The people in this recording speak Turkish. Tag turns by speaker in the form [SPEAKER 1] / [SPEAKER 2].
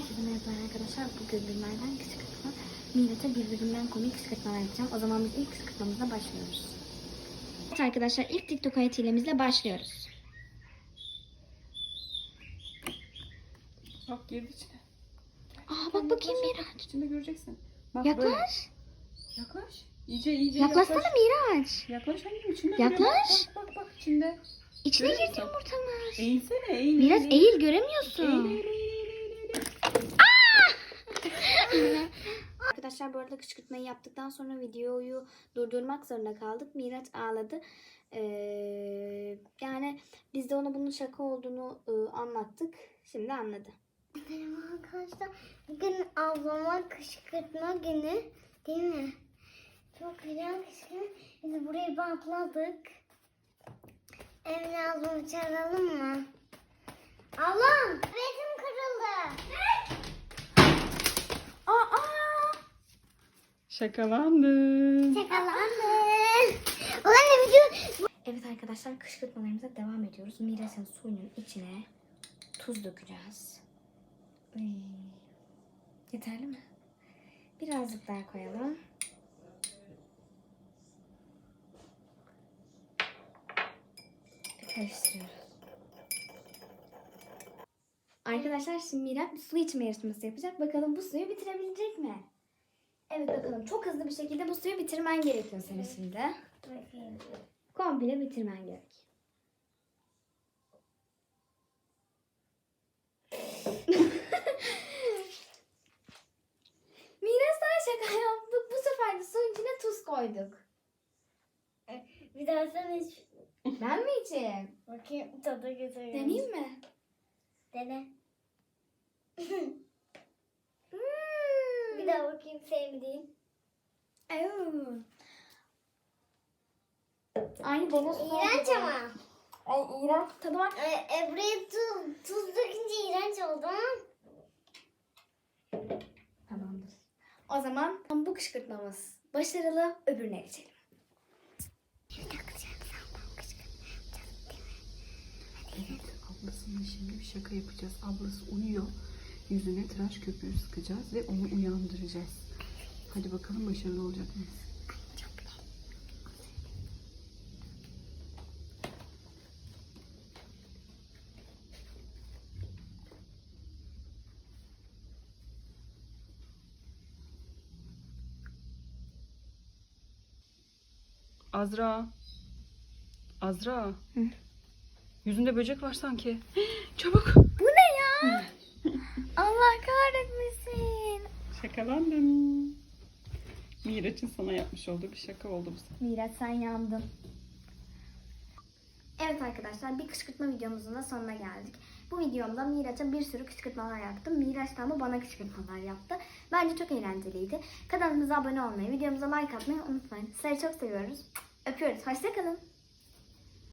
[SPEAKER 1] Herkese merhaba arkadaşlar. Bugün günlerden kışkırtma. Miraç'a birbirinden komik kışkırtmalar yapacağım. O zaman biz ilk kışkırtmamıza başlıyoruz. Evet arkadaşlar, ilk TikTok hayat hilemizle başlıyoruz.
[SPEAKER 2] Bak girdi içine.
[SPEAKER 1] Aa bak bakayım Miraç.
[SPEAKER 2] İçinde göreceksin. Bak
[SPEAKER 1] Yaklaş.
[SPEAKER 2] böyle. Yaklaş. İyice
[SPEAKER 1] Yaklaşsana
[SPEAKER 2] yaklaş.
[SPEAKER 1] Miraç.
[SPEAKER 2] Yaklaş annem içinde.
[SPEAKER 1] Yaklaş.
[SPEAKER 2] Bak içinde.
[SPEAKER 1] İçine
[SPEAKER 2] Görüyor
[SPEAKER 1] girdi
[SPEAKER 2] musun?
[SPEAKER 1] yumurtamız.
[SPEAKER 2] Eğilsene eğil.
[SPEAKER 1] Miraç eğil, göremiyorsun.
[SPEAKER 2] Eğil.
[SPEAKER 1] Arkadaşlar bu arada kışkırtmayı yaptıktan sonra videoyu durdurmak zorunda kaldık. Miraç ağladı. Yani biz de ona bunun şaka olduğunu anlattık. Şimdi anladı.
[SPEAKER 3] Merhaba arkadaşlar. Bugün ablama kışkırtma günü değil mi? Çok güzel kışkırtma. Biz burayı bantladık. Emine ablamı çağıralım mı? Ablam! Bezim kırıldı.
[SPEAKER 2] Şakalandın.
[SPEAKER 3] Çakalandı. Ulan ne video?
[SPEAKER 1] Evet arkadaşlar, kışkırtmalarımıza devam ediyoruz. Miraç'ın suyunun içine tuz dökeceğiz. Yeterli mi? Birazcık daha koyalım. Ve karıştırıyoruz. Arkadaşlar şimdi Miraç bir su içme yarışması yapacak. Bakalım bu suyu bitirebilecek mi? Evet bakalım. Çok hızlı bir şekilde bu suyu bitirmen gerekiyor senin şimdi. Komple bitirmen gerek. Miraç sana şaka yaptık. Bu sefer de suyun içine tuz koyduk.
[SPEAKER 3] Bir daha sen hiç
[SPEAKER 1] Ben mi içeyim?
[SPEAKER 3] bakayım tadı güzel.
[SPEAKER 1] Deneyeyim mi?
[SPEAKER 3] Dene.
[SPEAKER 1] Hmm.
[SPEAKER 3] Bir daha bakayım sevmediğin.
[SPEAKER 1] Aynı deniz suyu
[SPEAKER 3] İğrenç
[SPEAKER 1] gibi.
[SPEAKER 3] ama.
[SPEAKER 1] Ay iğrenç tadı var.
[SPEAKER 3] Buraya tuz dökünce iğrenç oldu ama.
[SPEAKER 1] Tamamdır. O zaman bu kışkırtmamız başarılı, öbürüne geçelim.
[SPEAKER 2] Evet, ablasına şimdi bir şaka yapacağız. Ablası uyuyor. Yüzüne tıraş köpüğü sıkacağız ve onu uyandıracağız. Hadi bakalım başarılı olacak mıyız? Azra. Azra.
[SPEAKER 1] Hı?
[SPEAKER 2] Yüzünde böcek var sanki. Çabuk.
[SPEAKER 1] Bu ne ya? Allah kahretmesin.
[SPEAKER 2] Şakalandım. Miraç'ın sana yapmış olduğu bir şaka oldu bu.
[SPEAKER 1] Miraç sen yandın. Evet arkadaşlar, bir kışkırtma videomuzun da sonuna geldik. Bu videomda Miraç'a bir sürü kışkırtmalar yaptım. Miraç da ama bana kışkırtmalar yaptı. Bence çok eğlenceliydi. Kanalımıza abone olmayı, videomuza like atmayı unutmayın. Sizleri çok seviyoruz. Öpüyoruz. Hoşça kalın.